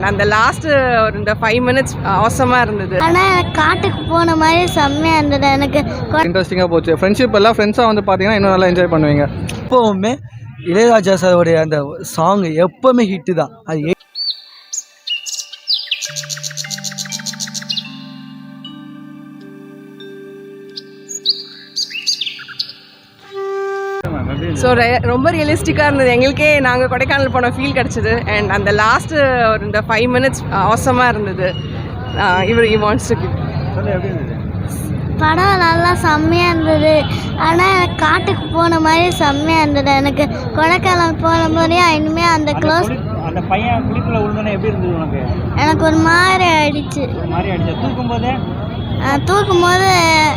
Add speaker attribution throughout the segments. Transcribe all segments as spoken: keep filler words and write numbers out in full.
Speaker 1: அந்த லாஸ்ட் ஒரு இந்த ஃபைவ் மினிட்ஸ் அவசரமாக இருந்தது.
Speaker 2: ஆனால் எனக்கு காட்டுக்கு போன மாதிரி செம்மையாக இருந்தது. எனக்கு
Speaker 3: இன்ட்ரெஸ்டிங்காக போச்சு. ஃப்ரெண்ட்ஷிப் எல்லாம் ஃப்ரெண்ட்ஸாக வந்து பார்த்தீங்கன்னா இன்னும் நல்லா என்ஜாய் பண்ணுவீங்க.
Speaker 4: எப்போவுமே இளையராஜா சாரோடைய அந்த சாங் எப்போவுமே ஹிட்டு தான். அது
Speaker 1: ஸோ ரொம்ப ரியலிஸ்டிக்காக இருந்தது. எங்களுக்கே நாங்கள் கொடைக்கானல் போன ஃபீல் கிடச்சிது. அண்ட் அந்த லாஸ்ட்டு ஒரு இந்த ஃபைவ் மினிட்ஸ் அவசரமாக இருந்தது. இவர் இ வாண்ட்ஸ் டு கிவ்
Speaker 2: படம் நல்லா செம்மையாக இருந்தது. ஆனால் எனக்கு காட்டுக்கு போன மாதிரி செம்மையாக இருந்தது. எனக்கு கொடைக்கானல் போன மாதிரியே இனிமேல் அந்த க்ளோஸ்
Speaker 5: அந்த பையன் குளிக்குள்ள விழுந்தோன்னே எப்படி இருந்தது உனக்கு?
Speaker 2: எனக்கு ஒரு மாதிரி ஆயிடுச்சு.
Speaker 5: ஒரு மாதிரி ஆயிடுச்சு. தூக்கும் போதே
Speaker 2: தூக்கும் போது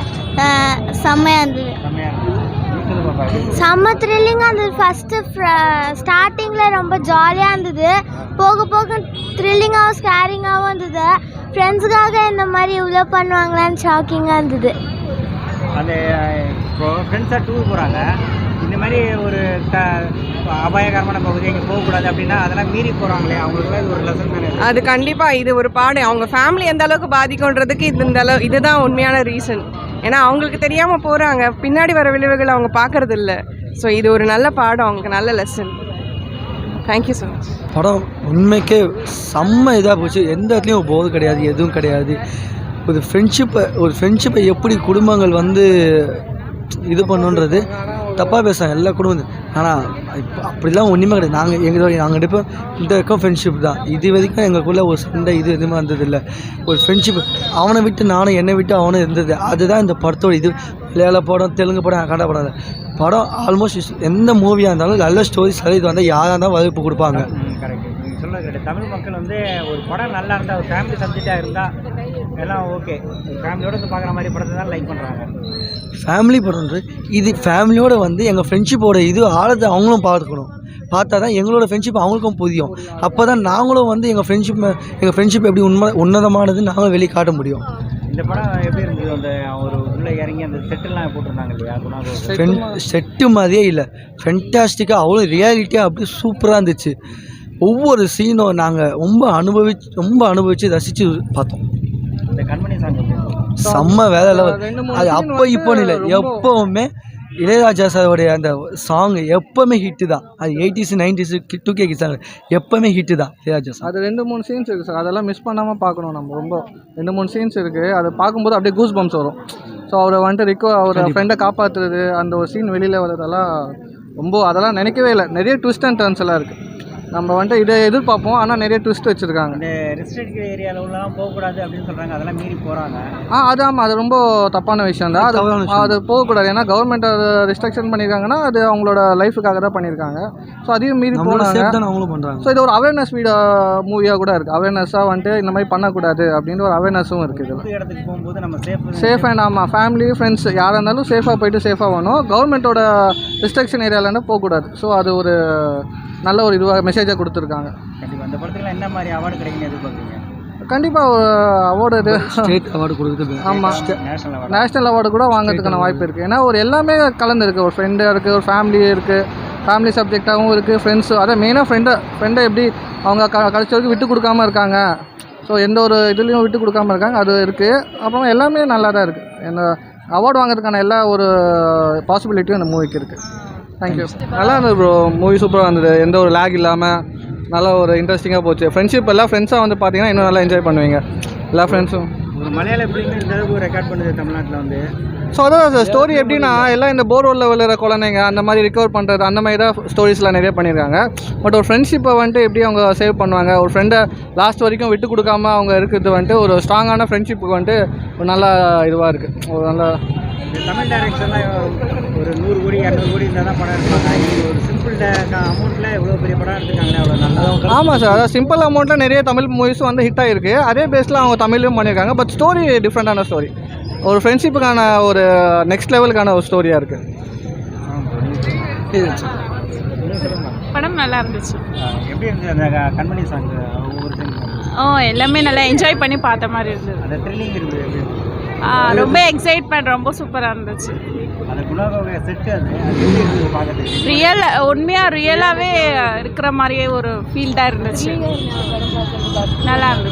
Speaker 2: செம்மையாக இருந்தது.
Speaker 5: செம்மையாக இருந்தது.
Speaker 2: செம்ம த்ரில்லிங்காக இருந்தது. ஃபஸ்ட்டு ஸ்டார்டிங்கில் ரொம்ப ஜாலியாக இருந்தது. போக போக த்ரில்லிங்காகவும் ஸ்கேரிங்காகவும் இருந்தது. ஃப்ரெண்ட்ஸுக்காக இந்த மாதிரி இவ்வளோ பண்ணுவாங்களான்னு ஷாக்கிங்காக இருந்தது.
Speaker 5: அந்த இப்போ ஃப்ரெண்ட்ஸாக டூர் போகிறாங்க, இந்த மாதிரி ஒரு க அபாயகரமான பகுதி இங்கே போகக்கூடாது அப்படின்னா அதெல்லாம் மீறி போகிறாங்களே, அவங்களுக்குலாம் இது ஒரு லெசன் தானே?
Speaker 1: அது கண்டிப்பாக இது ஒரு பாடம். அவங்க ஃபேமிலி எந்த அளவுக்கு பாதிக்கும்ன்றதுக்கு இது இந்த அளவு இதுதான் உண்மையான ரீசன். ஏன்னா அவங்களுக்கு தெரியாமல் போகிறாங்க, பின்னாடி வர விளைவுகள் அவங்க பார்க்கறது இல்லை. ஸோ இது ஒரு நல்ல பாடம், அவங்களுக்கு நல்ல லெசன். Thank you so much.
Speaker 4: படம் உண்மைக்கே செம்ம இதாக போச்சு. எந்த இடத்துலையும் போது கிடையாது, எதுவும் கிடையாது. ஒரு ஃப்ரெண்ட்ஷிப்பை ஒரு ஃப்ரெண்ட்ஷிப்பை எப்படி குடும்பங்கள் வந்து இது பண்ணுன்றது தப்பாக பேசுகிறாங்க எல்லா குடும்பம். ஆனால் இப்போ அப்படிலாம் ஒன்றுமே கிடையாது. நாங்கள் எங்கள் நாங்கள் இப்போ இந்த வரைக்கும் ஃப்ரெண்ட்ஷிப் தான். இது வரைக்கும் எங்களுக்குள்ளே ஒரு சண்டை இது எதுவுமே வந்ததில்லை. ஒரு ஃப்ரெண்ட்ஷிப் அவனை விட்டு நானும், என்னை விட்டு அவனும் இருந்தது. அதுதான் இந்த படத்தோட இது. மலையாள படம், தெலுங்கு படம், கன்னட படம் படம் ஆல்மோஸ்ட் எந்த மூவியாக இருந்தாலும் நல்ல ஸ்டோரிஸ் இது வந்தால் யாராக இருந்தாலும் வரவேற்பு கொடுப்பாங்க.
Speaker 5: கரெக்ட், நீங்கள் சொல்கிறது கரெக்ட். தமிழ் மக்கள் வந்து ஒரு படம் நல்லா இருந்தால், ஒரு ஃபேமிலி சப்ஜெக்டாக இருந்தால் எல்லாம் ஓகே, ஃபேமிலியோடு வந்து பார்க்குற மாதிரி படத்தை தான் லைக் பண்ணுறாங்க.
Speaker 4: ஃபேமிலி படம்ன்றது இது ஃபேமிலியோடு வந்து எங்கள் ஃப்ரெண்ட்ஷிப்போட இது ஆழத்தை அவங்களும் பார்த்துக்கணும். பார்த்தா தான் எங்களோட ஃப்ரெண்ட்ஷிப் அவங்களுக்கும் புரியும். அப்போ தான் நாங்களும் வந்து எங்கள் ஃப்ரெண்ட்ஷிப் எங்கள் ஃப்ரெண்ட்ஷிப் எப்படி உண்மை உன்னதமானது நாங்களும் வெளியே காட்ட முடியும்.
Speaker 5: இந்த படம் எப்படி இருந்தது? அந்த ஒரு உள்ளே இறங்கி அந்த செட்டெல்லாம் போட்டிருந்தாங்க இல்லையா?
Speaker 4: ஃப்ரெண்ட் செட்டு மாதிரியே இல்லை, ஃபென்டாஸ்டிக்காக அவ்வளோ ரியாலிட்டியாக அப்படி சூப்பராக இருந்துச்சு. ஒவ்வொரு சீனும் நாங்கள் ரொம்ப அனுபவிச்சு ரொம்ப அனுபவித்து ரசித்து பார்த்தோம்.
Speaker 5: இந்த கண்மணி சாங்
Speaker 4: செம்ம வேலை லெவல். அது அப்போ இப்போ இல்லை, எப்போவுமே இளையராஜா சாரோடைய அந்த சாங் எப்போவுமே ஹிட்டு தான். அது eighties nineties two K song எப்போவுமே ஹிட்டு தான் இளையராஜா சார்.
Speaker 3: அது ரெண்டு மூணு சீன்ஸ் இருக்குது சார், அதெல்லாம் மிஸ் பண்ணாமல் பார்க்கணும். நம்ம ரொம்ப ரெண்டு மூணு சீன்ஸ் இருக்குது, அதை பார்க்கும்போது அப்படியே கூஸ் பம்ப்ஸ் வரும். ஸோ அவரை வந்துட்டு ரிக்கோ அவர் ஃப்ரெண்டை காப்பாற்றுறது, அந்த ஒரு சீன் வெளியில் வரதெல்லாம் ரொம்ப அதெல்லாம் நினைக்கவே இல்லை. நிறைய ட்விஸ்ட் அண்ட் டர்ன்ஸ் எல்லாம் இருக்குது. நம்ம வந்துட்டு இதை எதிர்பார்ப்போம், ஆனால் நிறைய ட்விஸ்ட் வச்சுருக்காங்க.
Speaker 5: இந்த ரெஸ்ட்ரிக்ட் ஏரியாவில் உள்ளலாம் போகக்கூடாது அப்படின்னு சொல்கிறாங்க, அதெல்லாம் மீறி போகிறாங்க.
Speaker 3: ஆ அது ஆமாம், அது ரொம்ப தப்பான விஷயம் தான். அது அது போகக்கூடாது. ஏன்னா கவர்மெண்ட் அதை ரெஸ்ட்ரிக்ஷன் பண்ணியிருக்காங்கன்னா அது அவங்களோட லைஃபுக்காக தான் பண்ணியிருக்காங்க. ஸோ அதையும் மீறி போனாங்க,
Speaker 4: அவங்களும் பண்ணுறாங்க.
Speaker 3: ஸோ இது ஒரு அவேர்னஸ் வீடியோ மூவியாக கூட இருக்குது. அவேர்னஸாக வந்துட்டு இந்த மாதிரி பண்ணக்கூடாது அப்படின்ற ஒரு அவேர்னஸும் இருக்குது.
Speaker 5: புது இடத்துக்கு போகும்போது நம்ம சேஃப்
Speaker 3: சேஃப் அண்ட் ஆமாம், ஃபேமிலி ஃப்ரெண்ட்ஸ் யாராக இருந்தாலும் சேஃபாக போயிட்டு சேஃபாக வரணும். கவர்மெண்ட்டோட ரெஸ்ட்ரிக்ஷன் ஏரியாவிலேருந்து போகக்கூடாது. ஸோ அது ஒரு நல்ல ஒரு இதுவாக மெசேஜாக கொடுத்துருக்காங்க.
Speaker 5: கண்டிப்பாக அந்த படத்துக்கு என்ன மாதிரி அவார்டு கிடைக்குன்னு எதிர்பார்க்குறீங்க?
Speaker 3: கண்டிப்பாக ஒரு அவார்டு இது
Speaker 4: ஸ்டேட் அவார்டு கொடுக்குறது.
Speaker 3: ஆமாம்,
Speaker 5: நேஷனல் அவார்டு
Speaker 3: நேஷ்னல் அவார்டு கூட வாங்கிறதுக்கான வாய்ப்பு இருக்குது. ஏன்னா ஒரு எல்லாமே கலந்து இருக்குது. ஒரு ஃப்ரெண்டாக இருக்குது, ஒரு ஃபேமிலி இருக்குது, ஃபேமிலி சப்ஜெக்டாகவும் இருக்குது, ஃப்ரெண்ட்ஸு. அதை மெயினாக ஃப்ரெண்டை ஃப்ரெண்டை எப்படி அவங்க க கடைசி வரைக்கும் விட்டு கொடுக்காமல் இருக்காங்க. ஸோ எந்த ஒரு இதுலேயும் விட்டு கொடுக்காமல் இருக்காங்க, அது இருக்குது. அப்புறம் எல்லாமே நல்லா தான் இருக்குது. இந்த அவார்டு வாங்கிறதுக்கான எல்லா ஒரு பாசிபிலிட்டியும் இந்த மூவிக்கு இருக்குது. தேங்க்யூ. நல்லா இருந்தது ப்ரோ, மூவி சூப்பராக இருந்தது. எந்த ஒரு லேக் இல்லாமல் நல்லா ஒரு இன்ட்ரெஸ்டிங்காக போச்சு. ஃப்ரெண்ட்ஷிப் எல்லாம் ஃப்ரெண்ட்ஸாக வந்து பார்த்தீங்கன்னா இன்னும் நல்லா என்ஜாய் பண்ணுவீங்க எல்லா ஃப்ரெண்ட்ஸும்.
Speaker 5: ஒரு மலையாள ஃபிலிம் இந்த அளவுக்கு ரெக்கார்ட் பண்ணுது தமிழ்நாட்டில் வந்து.
Speaker 3: ஸோ அதான் சார் ஸ்டோரி எப்படின்னா எல்லாம் இந்த போர்வெல்லில் விழுற குழந்தைங்க அந்த மாதிரி ரிகவர் பண்ணுறது, அந்த மாதிரி தான் ஸ்டோரிஸ்லாம் நிறைய பண்ணியிருக்காங்க. பட் ஒரு ஃப்ரெண்ட்ஷிப்பை வந்துட்டு எப்படி அவங்க சேவ் பண்ணுவாங்க, ஒரு ஃப்ரெண்டை லாஸ்ட் வரைக்கும் விட்டு கொடுக்காம அவங்க இருக்கிறது வந்துட்டு ஒரு ஸ்ட்ராங்கான ஃப்ரெண்ட்ஷிப்புக்கு வந்துட்டு ஒரு நல்ல இதுவாக இருக்குது. ஒரு நல்ல
Speaker 5: தமிழ் டைரக்ஷன்லாம் ஒரு நூறு கோடி இரநூறு கோடி இருந்தால் தான் படம் எடுப்பாங்க. ஒரு சிம்பிள் அமௌண்ட்டில் எவ்வளோ பெரிய படம் எடுத்துருக்காங்க, அவ்வளோ நல்லா.
Speaker 3: ஆமாம் சார், அதாவது சிம்பிள் அமௌண்ட்டில் நிறைய தமிழ் மூவிஸும் வந்து ஹிட் ஆகிருக்கு. அதே பேஸில் அவங்க தமிழ்லையும் பண்ணியிருக்காங்க. பட் ஸ்டோரி டிஃப்ரெண்ட்டான ஸ்டோரி, ஒரு ஃப்ரெண்ட்ஷிப்புக்கான ஒரு நெக்ஸ்ட் லெவலுக்கான ஒரு ஸ்டோரியாக இருக்குது.
Speaker 6: படம் நல்லா இருந்துச்சு.
Speaker 5: எப்படி இருந்துச்சு அந்த கண்மணி சாங்? ஒவ்வொரு
Speaker 6: ஓ எல்லாமே நல்லா என்ஜாய் பண்ணி பார்த்த மாதிரி இருந்தது.
Speaker 5: அந்த த்ரில்லிங் இருந்தது.
Speaker 6: ரொம்ப எக்ஸைட்மெண்ட், ரொம்ப சூப்பராக இருந்துச்சு.
Speaker 5: அந்த குணாகோக செட்டு அது அது எப்படி இருந்தது பார்க்கறதுக்கு?
Speaker 6: ரியல் உண்மையாக ரியலாகவே இருக்கிற மாதிரியே ஒரு ஃபீல் தான் இருந்துச்சு. நல்லா இருந்துச்சு.